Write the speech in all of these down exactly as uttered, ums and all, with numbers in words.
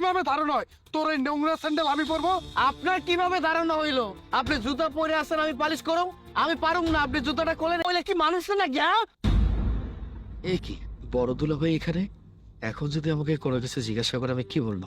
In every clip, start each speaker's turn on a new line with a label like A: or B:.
A: কিভাবে ধারণা হয় তোর এই নোংরা স্যান্ডেল আমি পরবো?
B: আপনার কিভাবে ধারণা হইলো আপনি জুতা পরে আছেন আমি পালিশ করব? আমি পারুম না, আপনি জুতাটা খোলেন। বলে কি মানুষ না গিয়া? এই কি বড় দুলা ভাই এখানে? এখন যদি আমাকে কোনো কিছু জিজ্ঞাসা করে আমি কি বলবো?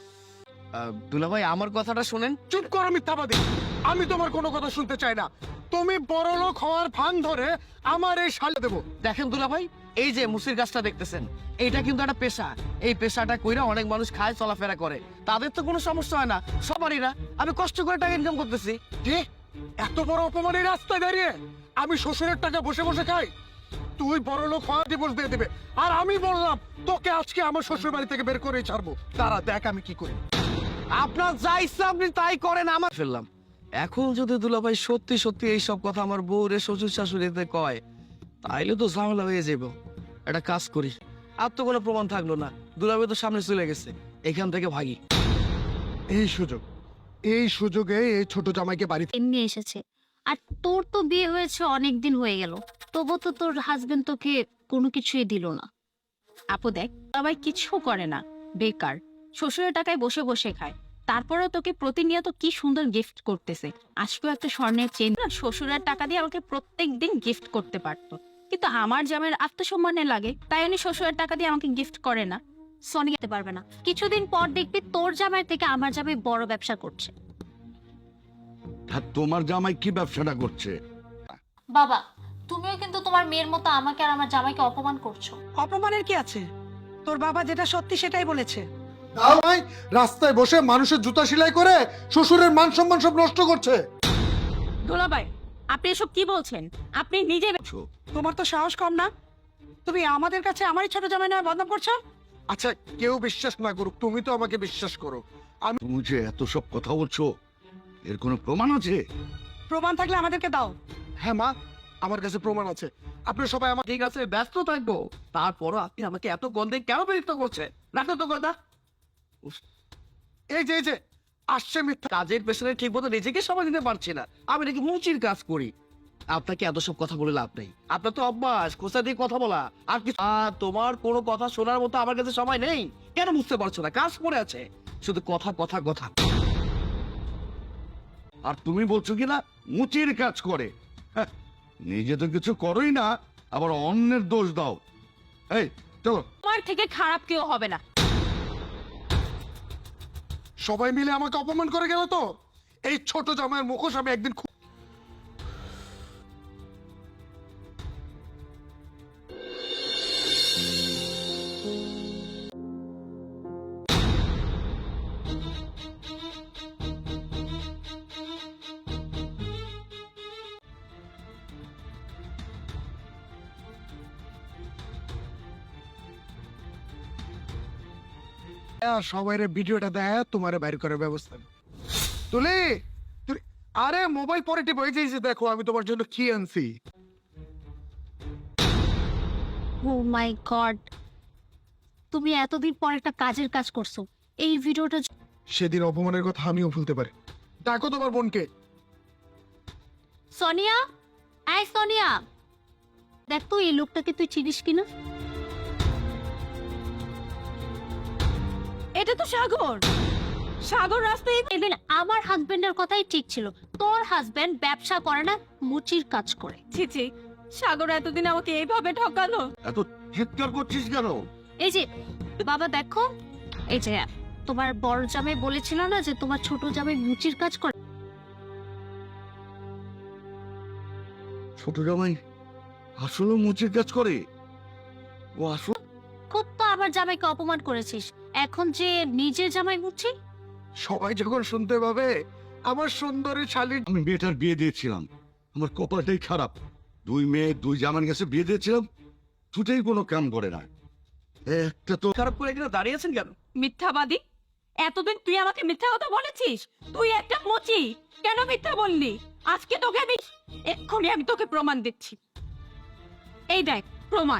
B: দুলা ভাই আমার কথাটা শুনেন।
A: চুপ করো মিথ্যাবাদী, আমি তোমার কোনো কথা শুনতে চাই না। তুমি বড় লোক হওয়ার ভান ধরে আমার এই শালে দেবো।
B: দেখেন দুলা ভাই, এই যে মুসির গাছটা দেখতেছেন, এইটা কিন্তু একটা পেশা। এই পেশাটা কইরা অনেক মানুষ খায়, চলাফেরা করে, তাদের তো কোনো সমস্যা হয় না, সবারই না। আমি কষ্ট করে টাকা ইনকাম করতেছি।
A: কি এত বড় অপমানের রাস্তায় দাঁড়িয়ে আমি শ্বশুরের টাকা বসে বসে খাই? তুই বড় লোক হওয়া ডিভোর্স দিয়ে দেবে, আর আমি বললাম তোকে আজকে আমার শ্বশুর বাড়ি থেকে বের করে ছাড়বো। তারা দেখ আমি কি করি।
B: আপনার যা ইচ্ছা আপনি তাই করেন। আমার ফেললাম এখন যদি দুলাভাই সত্যি সত্যি এই সব কথা আমার বউরে শ্বশুর শাশুড়িতে কয়, তাইলে তো ঝামেলা হয়ে যাব। একটা কাজ করি, আর তো কোনো প্রমাণ থাকলো না, দুলাভাই তো সামনে চলে গেছে, এখান থেকে ভাগি।
A: এই সুযোগ, এই সুযোগে এই ছোট জামাইকে বাড়িতে
C: এমনি এসেছে। আর তোর তো বিয়ে হয়েছে অনেক দিন হয়ে গেল, তবু তো তোর হাজবেন্ড তোকে কোনো কিছুই দিল না।
D: আপু দেখ, সবাই কিছু করে না, বেকার, শ্বশুরের টাকায় বসে বসে খায়, তারপরেও তোকে প্রতিনিয়ত কি সুন্দর গিফট করতেছে। আজকেও একটা স্বর্ণের চেন শ্বশুরের টাকা দিয়ে আমাকে প্রত্যেক দিন গিফট করতে পারতো, কিন্তু আমার জামাইয়ের আত্মসম্মানে লাগে, তাই উনি শ্বশুরের টাকা দিয়ে আমাকে গিফট করে না।
C: সনি যেতে পারবে না, কিছুদিন পর দেখবি তোর জামাই থেকে আমার জামাই বড় ব্যবসা করছে।
E: আর তোমার জামাই কি ব্যবসাটা করছে?
C: বাবা, তুমিও কিন্তু তোমার মেয়ের মতো আমাকে আর আমার জামাইকে অপমান করছো।
F: অপমানের কি আছে? তোর বাবা যেটা সত্যি সেটাই বলেছে।
A: জামাই রাস্তায় বসে মানুষের জুতা সেলাই করে শ্বশুরের মান সম্মান সব নষ্ট করছে।
D: দুলাভাই, আপনি এসব কি বলছেন? আপনি নিজে
F: তোমার তো সাহস কম না, তুমি আমাদের কাছে আমারই ছোট জামাই নয় বদনাম করছো।
A: আচ্ছা কেউ বিশ্বাস না করুক, তুমি তো আমাকে বিশ্বাস করো।
E: তুমি যে এত সব কথা বলছো, এর কোনো প্রমাণ আছে?
F: প্রমাণ থাকলে আমাদেরকে দাও।
A: হ্যাঁ মা, আমার কাছে প্রমাণ আছে। আপনি সবাই আমার
B: ঠিক আছে, ব্যস্ত থাকবো, তারপরও আপনি আমাকে এত গন্ধে কেন বিরক্ত করছেন? রাখো তো কথা।
A: এই যে এই যে আসছে মিথ্যা।
B: কাজের পেছনে ঠিক মতো নিজেকে সময় দিতে পারছি না, আমি নাকি মুচির কাজ করি। আপনাকে এত সব কথা বলে লাভ নেই, আপনার তো অভ্যাস খোঁচা দিয়ে কথা বলা। আর কিছু আহ, তোমার কোনো কথা শোনার মতো আমার কাছে সময় নেই। কেন বুঝতে পারছো না? কাজ পড়ে আছে, শুধু কথা কথা কথা।
E: আর তুমি বলছো কি না মুচির কাজ করে? হ্যাঁ, নিজে তো কিছু করোই না, আবার অন্যের দোষ দাও। এই চলো।
D: তোমার থেকে খারাপ কেউ হবে না।
A: সবাই মিলে আমাকে অপমান করে গেল তো। এই ছোট জামাইয়ের মুখোশ আমি একদিন খুব সবাই ভিডিওটা দেয় তোমার বাইর করার ব্যবস্থা তুলি। তুলি আরে মোবাইল পরে টিপ হয়ে যাইছে, দেখো আমি তোমার জন্য কি আনছি।
C: ও মাই গড, তুমি এতদিন পর একটা কাজের কাজ করছো। এই ভিডিওটা
A: সেদিন অপমানের কথা আমিও ভুলতে পারি। দেখো তোমার বোনকে।
C: সোনিয়া, আই সোনিয়া, দেখ তো এই লোকটাকে তুই চিনিস কিনা।
D: এটা তো সাগর। সাগর রাস্তায়
C: এদিন আমার হাজবেন্ডের কথাই ঠিক ছিল, তোর হাজবেন্ড ব্যবসা করে না, মুচির কাজ করে।
D: ছি ছি, সাগর এতদিন আমাকে এইভাবে ঠকালো।
E: এত চিৎকার করছিস কেন?
C: এই যে বাবা দেখো, এই যে তোমার বড় জামাই বলেছিল না যে তোমার ছোট জামাই মুচির কাজ করে।
E: ছোট জামাই আসলে মুচির কাজ করে? ও আসলে
C: খুব তো আমার জামাইকে অপমান করেছিস, এখন যে নিজের জামাই মুচি।
A: সবাই যখন শুনতে পাবে আমার সুন্দরী শালী।
E: আমি মেয়েটার বিয়ে দিয়েছিলাম, আমার কপালটাই খারাপ। দুই মেয়ে দুই জামার কাছে বিয়ে দিয়েছিলাম, দুটাই কোনো কাম করে না। একটা তো
B: খারাপ করে এখানে দাঁড়িয়েছেন কেন?
D: মিথ্যাবাদী, এতদিন তুই আমাকে মিথ্যা কথা বলেছিস। তুই একটা মুচি, কেন মিথ্যা বললি? আজকে তোকে আমি এক্ষুনি আমি তোকে প্রমাণ দিচ্ছি। এই দেখ প্রমাণ।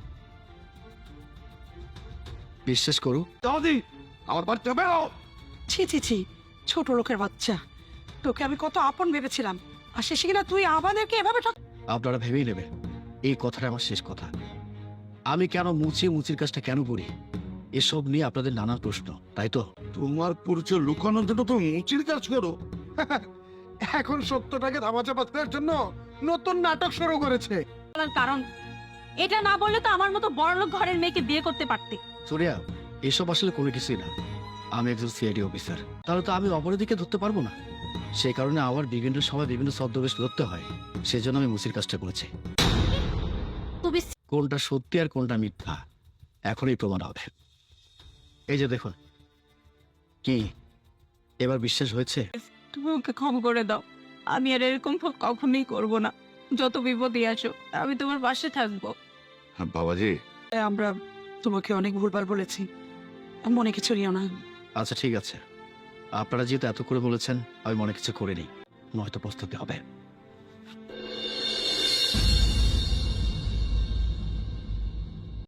B: বিশ্বাস করো,
E: দাদি আমার বাচ্চা বেরো।
F: ছি ছি ছি, ছোট লোকের বাচ্চা, তোকে আমি কত আপন ভেবেছিলাম, আর শেষে কিনা তুই আমাদেরকে এভাবে ঠক।
B: আপনারা ভেবেই নেবেন এই কথাটা আমার শেষ কথা। আমি কেন মুচি মুচির কাজটা কেন করি এসব নিয়ে আপনাদের নানা প্রশ্ন, তাই তো?
E: তোমার পরিচয় লুকানোর জন্য তো মুচির কাজ করো।
A: এখন সত্যটাকে ধামাচাপা দেওয়ার জন্য নতুন নাটক শুরু করেছে।
D: বলার কারণ এটা না বললে তো আমার মতো বড়লোক ঘরের মেয়েকে বিয়ে করতে পারতে।
B: সুরিয়া, এসব আসলে কোনো কিছুই না। আমি একজন সিআইডি অফিসার, তাহলে তো আমি অপরাধীকে ধরতে পারবো না। সেই কারণে আমার বিভিন্ন সময় বিভিন্ন ছদ্মবেশ ধরতে হয়। সেজন্য আমি মুসির কাজটা করেছি।
D: তুমি
B: কোনটা সত্যি আর কোনটা মিথ্যা এখনই প্রমাণ হবে। এই যে দেখুন, কি এবার বিশ্বাস হয়েছে?
D: তুমি ওকে ক্ষমা করে দাও। আমি আর এরকম ভুল কখনোই করব না। যত বিপদই আসো আমি তোমার পাশে থাকবো।
E: হ্যাঁ, বাবাজি,
F: আমরা তোমাকে অনেক ভুলভাল বলেছি, মনে কিছু নিও না।
B: আচ্ছা ঠিক আছে, আপনারা যেহেতু এত করে বলেছেন, আমি মনে কিছু করে নিই, নয়তো পস্তাতে হবে।